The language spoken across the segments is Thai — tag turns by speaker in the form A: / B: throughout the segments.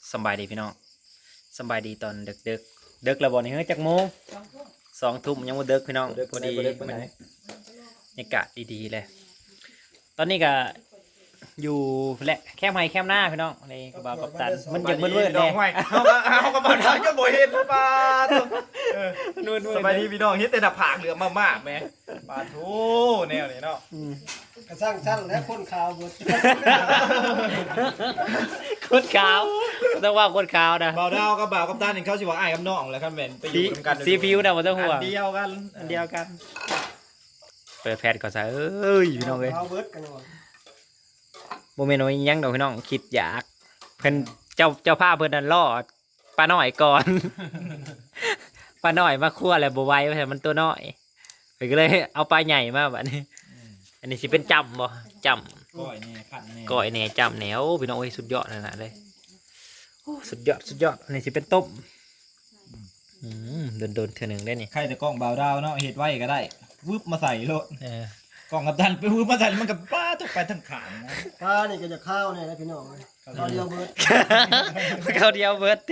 A: สบายดีพี่น้องสบายดีตอนเด็กเด็กระบอนี่เฮ้ยจักโมง2 ทุ่มยังบ่เด็กพี่น้องพอดีบรรยากาศดีๆเลยตอนนี้ก็อยู่และแคมป์ไฮแคมป์หน้าพี่น้องในกระบะกัปตันมันยังมืดๆเลย
B: เขากระเป๋าทางจะบ่เห็นหรือเปล่า
A: มืดๆ
B: สบายดีพี่น้องเฮ็ดแต่หน้าผากเหลือมากๆแม่ปาทูแนวนี้เนาะ
C: กระสร้างชั้นและคนข่าวหมด
A: คนขาวต้องว่าคนขาวนะ
B: เบาดาวกับบ่าวกับตานี่เขาสิว่าอ้ายกับน้องแหละครับแม่นไปอยู่กัน
A: สีผิวนะบ่ต้องห่วง
B: อันเดียวกัน
A: อันเดียวกันเปิดแพทย์ก่อนซะเอ้ยพี่น้องเอ้ย
C: ข่าวเบิดกันหมด
A: โมเมนต์ว่ายังดอกพี่น้องคิดอยากเพิ่นเจ้าภาพเพิ่นนั่นล่อปลาหน่อยก่อน ปลาหน่อยมาคั่วแล้วบ่ไหวเพราะมันตัวน้อยเพิ่นก็เลยเอาปลาใหญ่มาบัดนี้อันนี้สิเป็นจำบ่จำ
B: ก้อยแน่ขันแน่
A: ก้อยแหน่จำแหนวพี่น้องเอ้ยสุดยอดขนาดเลยโอ้สุดยอดอันนี้สิเป็นต้มโดนเทื่อหนึงได้นี่
B: ใครแต่กล้องบ่าวดาวเนาะเฮ็ดไว้ก็ได้วึบมาใส่โลด
A: เ
B: กล้องกับตันไปวึบมาใส่มันก็ป้าตกไปทั้งขางนะ
C: ป้านี่ก็จะข้าวเนี่ยนะพี่น้องเลยข้าวเดียวเบิด
A: เขาเดียวเบิด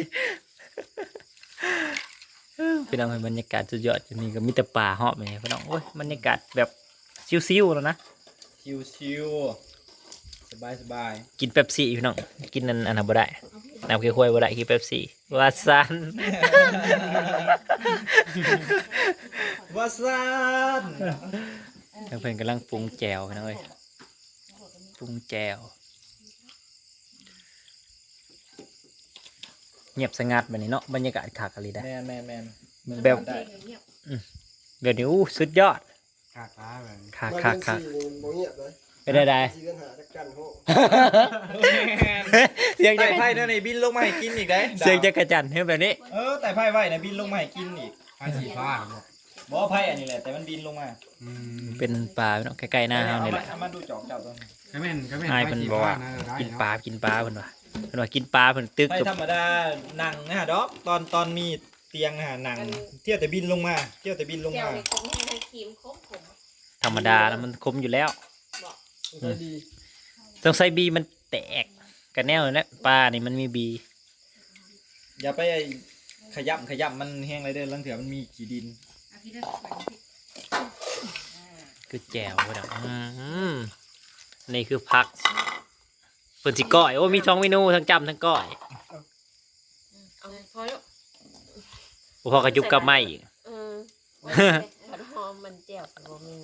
A: พี่น้องเห็นบรรยากาศสุดยอดอยู่นี่ก็มีแต่ป่าเหาะไปพี่น้องโอ้ยบรรยากาศแบบซิวๆแล้วนะ
B: ชิวๆสบาย
A: กินเป๊ปซี่พี่น้องกินอันนั้นบ่ได้น้ำเขียวข้วยบ่ได้กินเป๊ปซี่ว่าซัน
B: ว่าซ่าน
A: เพื่อนกำลังปรุงแจวพี่น้องเอ้ยปรุงแจวเงียบสงัดแบบนี้เนาะบรรยากาศคักอะไรได้
B: แมน
A: แบบแบบนี้อู้สุดยอด
C: ขาตาแบบ
A: คัก
C: สี่โมเงียบเลย
A: ไปได้
C: สี่กันหาตะกันโห
A: เสียงจะ
B: ไต่ไพ่เนี่ยในบินลงมาให้กินอีกได้
A: เสียงจะกระจันเฮ้ยแบบนี้
B: ไต่ไพ่ไว้ในบินลงมาให้กินอีก
C: ไอ้สีฟ้า
B: บอกว่าไพ่อันนี้แหละแต่มันบินลงมา
A: เป็นปลาพี่น้องใกล้ๆหน้าเฮานี่แหละ
B: เอามาดูจอกเจ้าตัวนี้
C: ก็แม่น
A: ไอ้เพิ่นบอกว่ากินปลาเพิ่นว่าเพิ่นว่ากินปลาเพิ่นตึก
B: ไพ่
A: กับ
B: ธรรมดาหนังนะฮะดอกตอนมีเตียงนะฮะหนังเที่ยวแต่บินลงมาเที่ยวแต่บินลง
D: เดี๋ยว
B: มา
D: ในคงให้ทางครีมคมผม
A: ธรรมดาแล้วมันคมอยู่แล้ว
D: บอก
C: ดี
A: ต้องใส่บีมันแตกกันแนวนั่นแหละปลานี่มันมีบี
B: อย่าไปขยับมันแห้งไรเด้อลังเถื่อมันมีขี้ดิน
A: คือแจวพี่น้องนี่คือผักเพิ่นสิก้อยโอ้มี2 เมนูทั้งจำทั้งก้อย
D: เอาพอแล้ว
A: บ่พอกระจุบกับไม้อีก
D: ผัดหอมมันเจียวบ่มี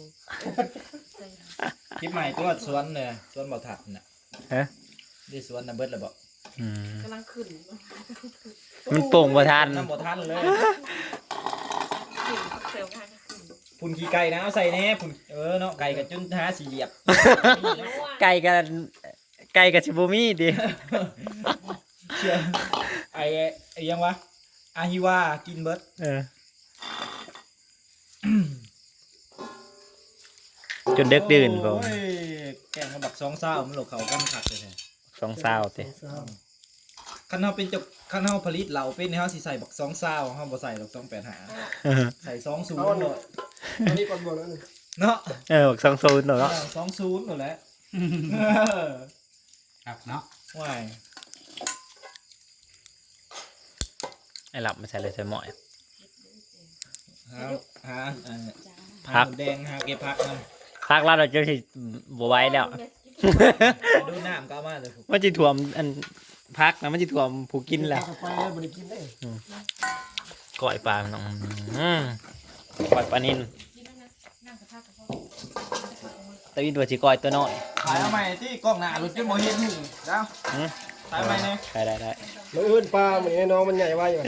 B: คลิปใหม่ตัวสวนเนี่ยสวนบ่อถัดน่ะ
A: ฮะ
B: ได้สวนน่ะเบิดแล้วบ่
D: กำลังขึ้น
A: มันโป่งบ่ทัน
B: น้ำบ่ทันเลย
D: ขึ้นเซลล์กันขึ้น
B: พุ่นขี้ไก่นะเอาใส่แน่พุ่นเนาะไก่กับจุนท้าสีเหยียบ
A: ไก่กับชิบูมี่ดิ
B: เชื่อไอ้ยังวะอาฮิวากินเบิด
A: จนเด็กดื่นผม
B: โอ้ยแกงกับบักสองเศร้ามันหลกเขากันขัดเลยแท้
A: 2 เศร้าติ
B: คันเฮาเป็นเจ้าคันเฮาผลิตเหล่าเป็นเฮาสิใส่บักสองเศร้าเฮาบ่ใส่ดอก285ใส่20โลด
C: อันนี้ก่อนบนแล้วนี่
B: เนาะ
A: บัก20เนาะ
B: 20หมดแล้ว
C: ครับเนาะ
B: ว้าย
A: ไอ้หลับมาใส่เลยใส่หมอย
B: หา
A: พัก
B: หมูแดงหาเก็บพักนำ
A: พักแล้วเราจะสิบ่ไหวแล้ว
B: ดูน้ำก็เอามาเลย
A: มันสิท่วมอันพักนะมันสิท่วมผู้กินแล้ว
C: ไปแล้วบริกินได้
A: ก้อยปลาพี่น้องก้อยปลานิลตะวินตัวสิก้อยตัวน้อย
B: ขายเอาใหม่ที่กล้องหน้ารถจนบ่เห็นหูแล้วขายใหม่เนี่ย
A: ได้
C: มันอื่นปลาเหมือนไอ้น้องมันใหญ่ไว้อยู่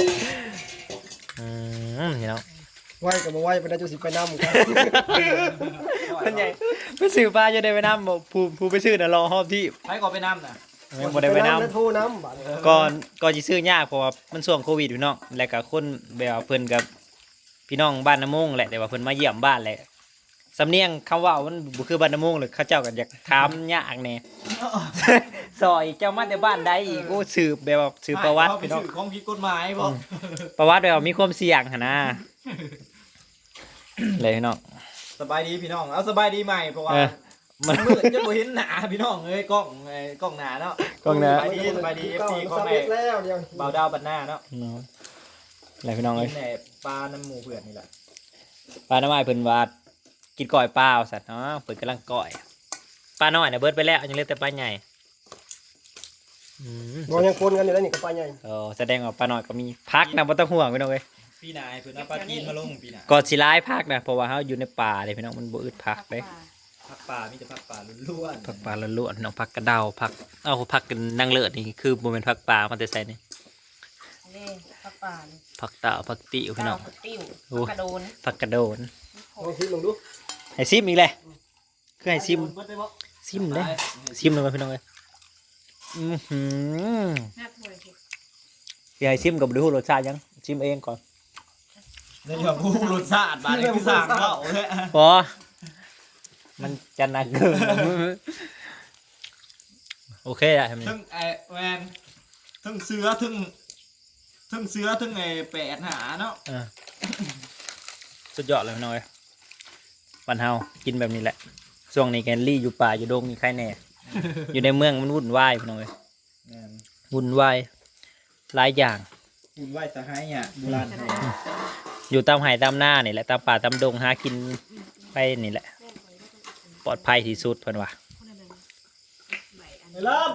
A: พี่น้อง
C: ไว้กับมาไว้ไปได้จุสิไปน้ำกัน
A: มันใหญ่ไปซื้อปลาจะได้ไปน้ำบอกผู้ไปซื้อน่ะรอหอบที่
B: ใช้ก่อนไปน้ำน่ะ
A: บ่ได้ไปน้ำ
C: แล้วโทรน้ำบัด
A: ก่อนสิซื้อยากเพราะว่ามันช่วงโควิดพี่น้องแล้วก็คนแบบว่าเพิ่นกับพี่น้องบ้านน้ำมงแหละแต่ว่าเพิ่นมาเยี่ยมบ้านแหละสำเนียงคำเว่ามันบ่คือบ้านน้ำมงเลยเขาเจ้าก็อยากถามยากแน่ ซอยเจ้ามาแต่บ้านใดอีกโอ้สืบแบบว่าสืบประวัติ
B: ไป
A: พี่น้อง
B: ซื้อของผิดกฎหมายบ่
A: ประวัติแบบว่ามีความเสี่ยงหั่นนะเลยพี่น้อง
B: สบายดีพี่น้องเอาสบายดีใหม่เพราะว่า
A: เออมัน
B: มืดจะบ่เห็นหน้าพี่น้องเอ้ยกล้องกล้องหน้าเนาะ
A: กล้องหน้า
B: สบายดี FC ของ
C: สำ
B: แม่
C: เร็จแล้วเดี๋ยว
B: บ่าวดาวบัดหน้าเนาะ
A: เนาะอะไรพี่น้อง
B: กิ
A: เอ้ย
B: นแหน่ปลาน้ำหมูเพื่อนนี่แหละ
A: ปลาน้ำไม้เพิ่นว่ากินก้อยเปล่าสัตว์เนาะเพิ่นกำลังก้อยปลาน้อยน่ะเบิดไปแล้วยังเหลือแต่ปลาใหญ่อืม
C: บ่ยังคนกันอยู่แล้วนี่กับปลาใหญ่
A: แสดงว่าปลาน้อยก็มีพักนะบ่ต้องห่วงพี่น้องเอ้ย
B: พี่นายเพิ่นเอาปลาจีนมาลงพี่นาย
A: ก่อนสิร้ายพักนะเพราะว่าเฮาอยู่ในป่าเลยพี่น้องมันบ่อึดพักเด้
B: ผักป่ามีแต่ผักป่าล้วนๆ
A: ผักป่าล้วนๆน้องผักกระเดาผักผักกันนางเลิศนี่คือบ่แม่นผักป่ามันแต่ใส่นี่
D: นี่ผักป่าน
A: ผักตาผักติวพี่น้อง
D: ผักติ้ว
A: โอ้
D: ผักกระโดน
A: ผักกระโดน
C: ลองชิมลองดู
A: ให้ซิมอีกเลยคือให้ซิม
B: เบิดได้บ่
A: ซิมเลยซิมเลยพี่น้องเอ้ยอื้อหือ
D: ห้าถ้วยสิ
A: สิให้ซิมก็บ่รู้รสชาติยังซิมเองก่อน
B: ในเรื่องผู้รสชาติบาดนี้คือสร้างเว้าเด้อ
A: พอมันจะหนักเกินโอเคได้ทำนี่
B: ทั้งแวนทั้งเสือทั้งแปดหาเนาะ
A: สุดยอดเลยพี่น้องเอ้ยวันเฮากินแบบนี้แหละช่วงนี้แกนลี่อยู่ป่าอยู่ดงนี่ใครแน่ อยู่ในเมืองมันวุ่นวายพี่น้องเอ้ย
B: แม่น
A: วุ่นวายหลายอย่าง
B: คุณไหว้สหายเนี่ยโบราณไทย
A: อยู่ตามไห่ตามหน้านี่แหละตามป่าตามดงหากินไปนี่แหละปลอดภัยที่สุดเพิ่นว่า
B: ไปเริ่ม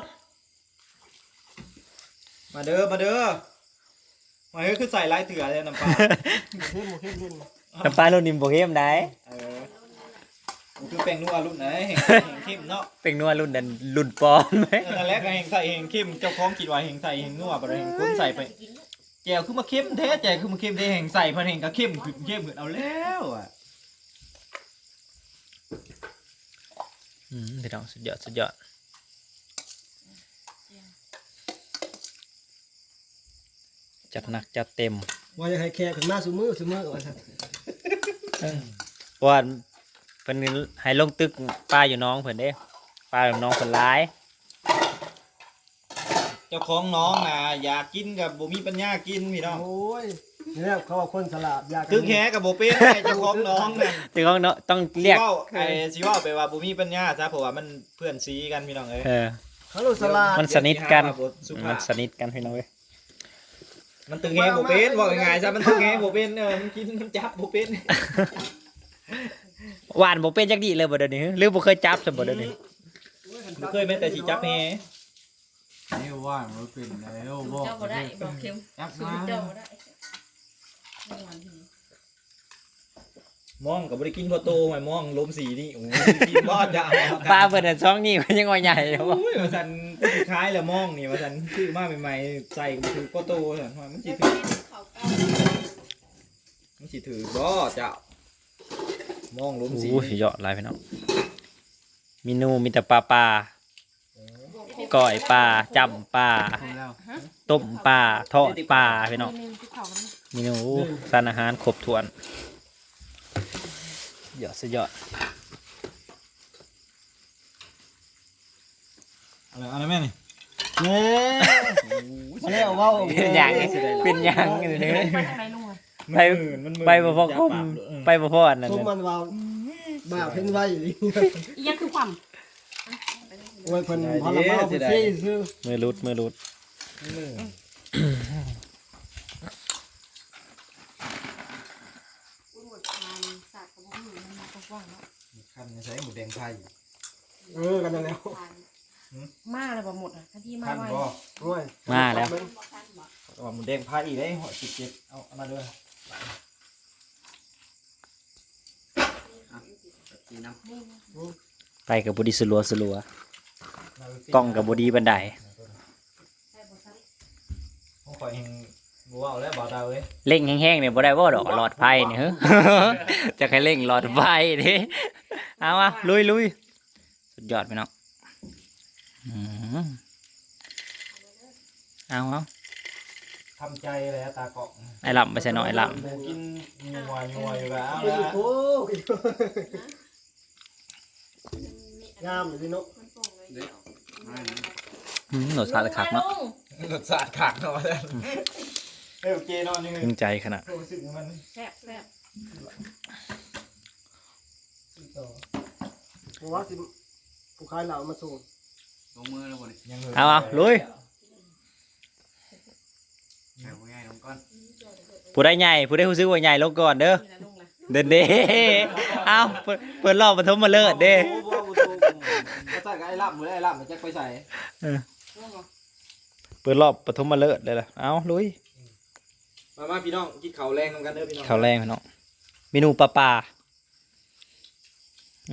B: มาเด้อมาเฮ้ยคือใส่ลายเถื่อเลยน้ำปลา
C: เข้มเข้มเข้ม
A: น้ำปลารุ่นนิมโบเข้มได้
B: มันคือแป้งนัวรุ่นไหนแห่งเข้มเนาะ
A: เป็นนัวรุ่นนั้นรุ่นปลอมไหม
B: นั่นแหละก็แห่งใส่แห่งเข้มเจ้าของคิดว่าแห่งใส่แห่งนัวบ่ได้แห่งคนใส่ไปแจวคือมาเข้มแท้แจวคือมาเข้มแท้แห่งใส่เพิ่นแห่งก็เข้มขึ้นเอาแล้วอ่ะ
A: พี่น้องสุดยอดสุดยอดจัดหนักจัดเต็ม
C: ว่าจะให้แขกขึ้นมาซุมือว่าซั่น
A: เพราะว่าเพิ่นให้ลงตึกป้าอยู่น้องเพิ่นเด้ป้าอยู่น้องเพิ่นร้าย
B: เจ้าของน้องน่ะอยากกินกับบ่มีปัญญากินพี่น้อง
C: โอ้ยนี่แหละเขาว่าคนสลาดอยาก
B: ตึกแฮกับบ่เป็นไอ้เจ้าของน้องน่ะ
A: ถึงของเนาะต้องเรียก
B: สิว่าไปว่าบ่มีปัญญาซะเพราะว่ามันเพื่อนซีกันพี่น้องเอ้ย
C: เขาโลสลาด
A: มันสนิทกัน
B: สุภา
A: มั
B: พ
A: นสนิทกันพี่น้องเว้ย
B: มันตึงแฮบ่เป็นว่าง่ายๆซะมันตึงแฮบ่เป็นมันกินมันจับบ่เป็น
A: หวานบ่เป็นจักดีเลยบ่เดี๋ยวนี้หรือบ่เคยจับซะบ่เดี๋ยวนี้
B: บ่เคยแม้แต่สิจับแฮ
E: นี่ว่างมันเป็นแล้วบอก
D: เจ้าบ่ได้บอกเค็ม
E: จับ
D: สู
E: มา
D: ตรเจ้าบ่ได้ไม่หวานที
B: มองก็บ่ได้กินพอโตหมายมองลมสีนี่โอ้ยกินบ่จะ
A: ปลาเพิ่นน่ะช่องนี้มันยังว่าใหญ่อยู่บ่
B: โอ้ยว่าซั่นคล้ายแล้วมองนี่ว่าซั่นซื้อมาใหม่ๆใส่ก็คือพอโตซั่นว่ามันสิถือมันสิถือบ่เจ้ามองลมสี
A: โอ้ยยอดหลายพี่น้องเมนูมีแต่ปลาก้อยปลาจำปลา
E: แล้ว
A: ต้มปลาทอดปลาพี่น้องเมนูสารอาหารครบถ้วนยอดสุดยอด
B: อะไรแม่นี่
C: เน่มาแล้วเว้า
A: เป็นหยังเป็นหยังอยู่นี่
D: ไปทางไหนลุงอ่ะ
A: ไปไปบ่พอคมไปบ่พออันนั้น
C: ซุม
A: น่ะ
C: มันว่าบ้าเพิ่นไว้อยู่นี่
D: อีหยังคือความ
C: โอ้ยเพิ่นพอละมาเพิ่นซี่ซื้อ
A: มือรุด
B: คันใช้หมูแดงไทย
C: กันนั่นแล้ว
D: มาเลยบ่หมดอ่ะทันทีมา
B: คัน
D: ไว้
B: บ่
C: โอ้ย
A: มาแล้ว
B: ว่าหมูแดงไทยอีกได้หอย17เอามาด้วย
A: ไปกับบดีสลัวกล้องกับบดีบันได
B: ผมขอเองบัวเอาแล้วบ่าวดาวเอ้ย
A: เร่งแห้งๆเนี่ยบ่ได้บ่ดอกหลอดไฟเนี่ยเฮ้ย จะให้เร่งหลอดไฟดิเอามาลุยสุดยอดไปเนาะอืมเอา
B: ทำใจแล้วตาเกาะ
A: ไอ้ลำไปใส่หน่อยไอ้ล
B: หมูกินงัวอยู่แล้ว
C: โอ้
B: แล้ว
C: โหงามเลยพี่นก
A: ำรสชาติคักเนาะ
B: รสชาติขาดเนาะท่านโอเคนอนนี่
A: ถึงใจขนาด
B: รู้สึกมัน
D: แซ่บแซ่บ
C: เพราะว่าสิผู้ขายเหล้ามาส่ง
E: ลงมือแล้วบ่นี่
A: เอาลุย
E: ใช่บ่ง่ายลงก่อน
A: ผู้ได้ใหญ่ผู้ได้รู้สึกว่าใหญ่ลงก่อนเด้อเด้ เอาเปิดรอบปฐมมาเลิศเด้
B: ก็ใส่กับไอ้ล่ำบ่ได้ไอ้ล่ำมันจะไปใส่
A: เปิดรอบปฐมมาเลิศเลยล่ะเอาลุย
B: มาพี่น้องกินข้าวแรงนำกันเด้อพี่น้อง
A: ข้าวแรงพี่น้องเมนูปลา